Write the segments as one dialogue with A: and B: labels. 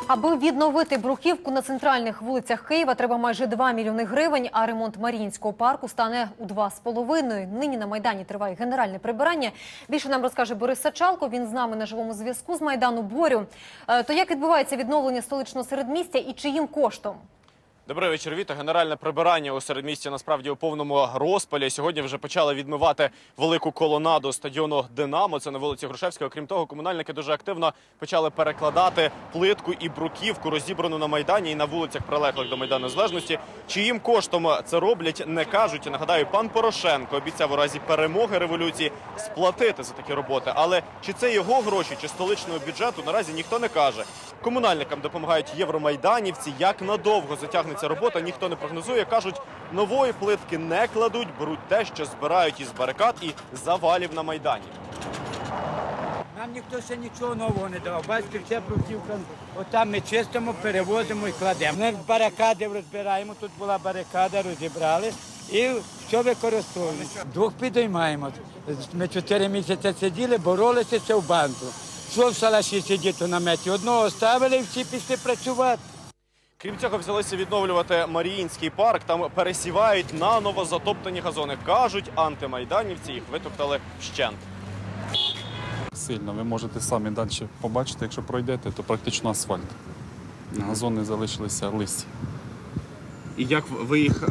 A: Аби відновити бруківку на центральних вулицях Києва, треба майже 2 мільйони гривень, а ремонт Маріїнського парку стане у 2,5. Нині на Майдані триває генеральне прибирання. Більше нам розкаже Борис Сачалко, він з нами на живому зв'язку з Майдану. Борю, то як відбувається відновлення столичного середмістя і чиїм коштом?
B: Добрий вечір, Віта. Генеральне прибирання у середмісті насправді у повному розпалі. Сьогодні вже почали відмивати велику колонаду стадіону «Динамо». Це на вулиці Грушевського. Крім того, комунальники дуже активно почали перекладати плитку і бруківку, розібрану на Майдані і на вулицях, прилеглих до Майдану Незалежності. Чиїм коштом це роблять, не кажуть. Нагадаю, пан Порошенко обіцяв у разі перемоги революції сплатити за такі роботи. Але чи це його гроші, чи столичного бюджету, наразі ніхто не каже. Комунальникам допомагають євромайданівці. Як надовго затягнеться робота, ніхто не прогнозує. Кажуть, нової плитки не кладуть, беруть те, що збирають із барикад і завалів на Майдані.
C: Нам ніхто ще нічого нового не давав. Бачите, вся бруківка, отам ми чистимо, перевозимо і кладемо. Ми барикади розбираємо, тут була барикада, розібрали і все використовуємо. Двох підіймаємо. Ми 4 місяці сиділи, боролися ще в банку. Що в шалаші сидіти у наметі? Одного ставили і всі пішли працювати.
B: Крім цього, взялися відновлювати Маріїнський парк. Там пересівають наново затоптані газони. Кажуть, антимайданівці їх витоптали вщент.
D: Сильно. Ви можете самі далі побачити, якщо пройдете, то практично асфальт. Газони залишилися листі.
E: І як ви їх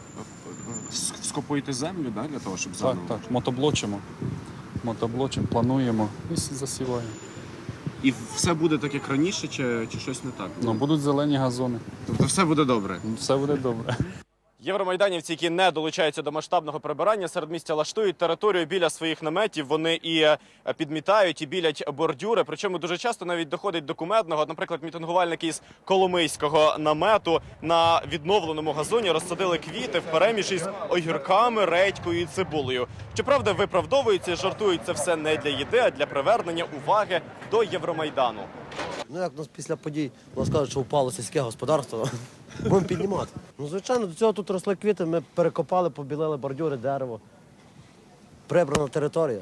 E: скопуєте землю, да, для того, щоб заново?
D: Так, мотоблочимо. Мотоблочимо, плануємо і засіваємо.
E: І все буде так, як раніше, чи щось не так?
D: Ну, будуть зелені газони.
E: Тобто все буде добре?
D: Все буде добре.
B: Євромайданівці, які не долучаються до масштабного прибирання, середмістя лаштують територію біля своїх наметів. Вони і підмітають, і білять бордюри. Причому дуже часто навіть доходить до кумедного. Наприклад, мітингувальники із Коломийського намету на відновленому газоні розсадили квіти впереміж із огірками, редькою і цибулею. Щоправда, виправдовуються, жартують це все не для їди, а для привернення уваги до Євромайдану.
F: Ну, як у нас після подій, у нас кажуть, що впало сільське господарство, будемо піднімати. Ну, звичайно, до цього тут росли квіти, ми перекопали, побілили бордюри, дерево. Прибрана територія.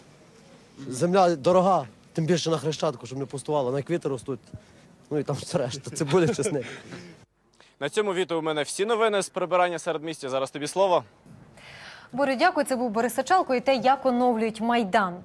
F: Земля дорога, тим більше на Хрещатику, щоб не пустувало, на квіти ростуть. Ну і там все решта, цибуля, чесник.
B: На цьому, Віто, у мене всі новини з прибирання середмістя. Зараз тобі слово.
A: Борю, дякую. Це був Борис Сачалко і те, як оновлюють Майдан.